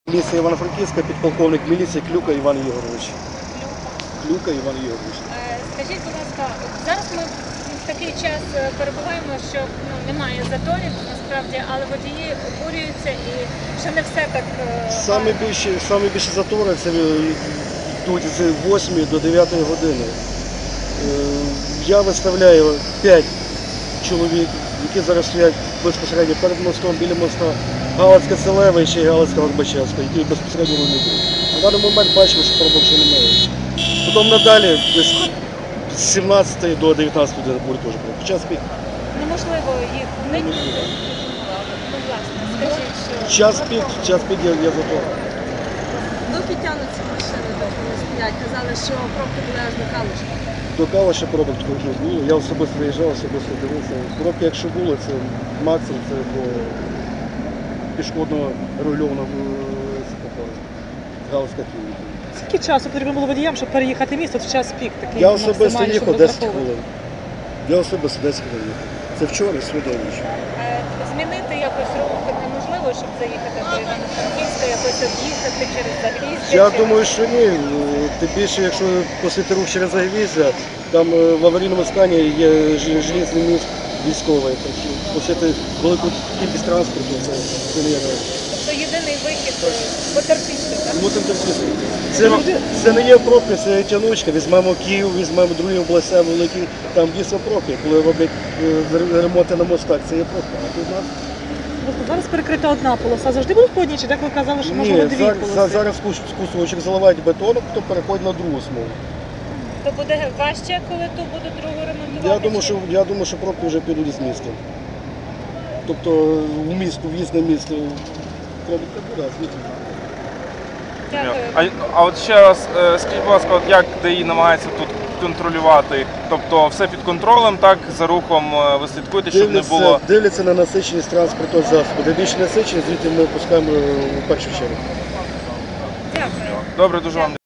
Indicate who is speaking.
Speaker 1: Міліція Івано-Франківська, підполковник міліції Клюка Іван Ігорович. Клюка Іван Ігорович.
Speaker 2: Скажіть, будь ласка, зараз ми в такий час перебуваємо, що немає заторів, насправді, але водії обурюються і ще не все так...
Speaker 1: Саме більше затори це йдуть з 8 до 9 години. Я виставляю 5 чоловік, які зараз стоять безпосередньо перед мостом, біля моста Галицька Селевища і Галицька Горбачевська, які безпосередньо вимітують. На даний момент бачимо, що проблем ще немає. Потім надалі, десь з 17 до 19 години буде теж проблем. Час пік.
Speaker 2: Неможливо їх уникнути. Ну, власне, скажіть, що...
Speaker 1: Час пік є затор.
Speaker 3: Доки тягнуться машини, доки не стоять. Казали, що пробки були аж до Калуша.
Speaker 1: До Калуша пробок також не було. Я особисто виїжджав, особисто дивився. Пробки, якщо було, це максимум, це до пішохідного регульованого Галицька клініка.
Speaker 4: Скільки часу потрібно було водіям, щоб переїхати місто в час пік? Такий
Speaker 1: Я особисто
Speaker 4: максимальний,
Speaker 1: їхав
Speaker 4: щоб
Speaker 1: 10
Speaker 4: розраховувати?
Speaker 1: хвилин. Я особисто 10 хвилин їхав. Це вчора, сьогодні вночі.
Speaker 2: Змінити якось рух неможливо, щоб заїхати до Івано-Франківська, якось об'їхати через Загріздя?
Speaker 1: Я думаю, що ні. Тим більше, якщо посити рух через Загріздя, там в аварійному стані є железний міст військовий. Посити велику кількість транспорту, це не є реально.
Speaker 2: Тобто єдиний вихід потерпіти, так?
Speaker 1: Мусимо терпіти. Це не є пробки, це тянучка. Візьмемо Київ, візьмемо другі області великі, там дійсно пробки. Коли роблять ремонти на мостах, це є пробка. А тут у нас...
Speaker 4: Зараз перекрита одна полоса. Завжди будуть по одній? Чи так ви казали, що можливо дві полоси?
Speaker 1: Зараз кусочок заливають бетоном, то переходить на другу смугу.
Speaker 2: То буде важче, коли ту буде другу ремонтувати?
Speaker 1: Я думаю, що пробки вже підуть з міста. Тобто в місто, в'їзд на місто, пробки буде, а звідти.
Speaker 2: Дякую.
Speaker 5: А от ще раз, скажіть, будь ласка, от як ДАІ намагається тут контролювати? Тобто все під контролем, так, за рухом ви слідкуєте, щоб не було...
Speaker 1: Дивляться на насиченість транспорту засобу. Де більше насиченість, звідти ми пускаємо в першу чергу.
Speaker 2: Дякую.
Speaker 5: Добре, дуже вам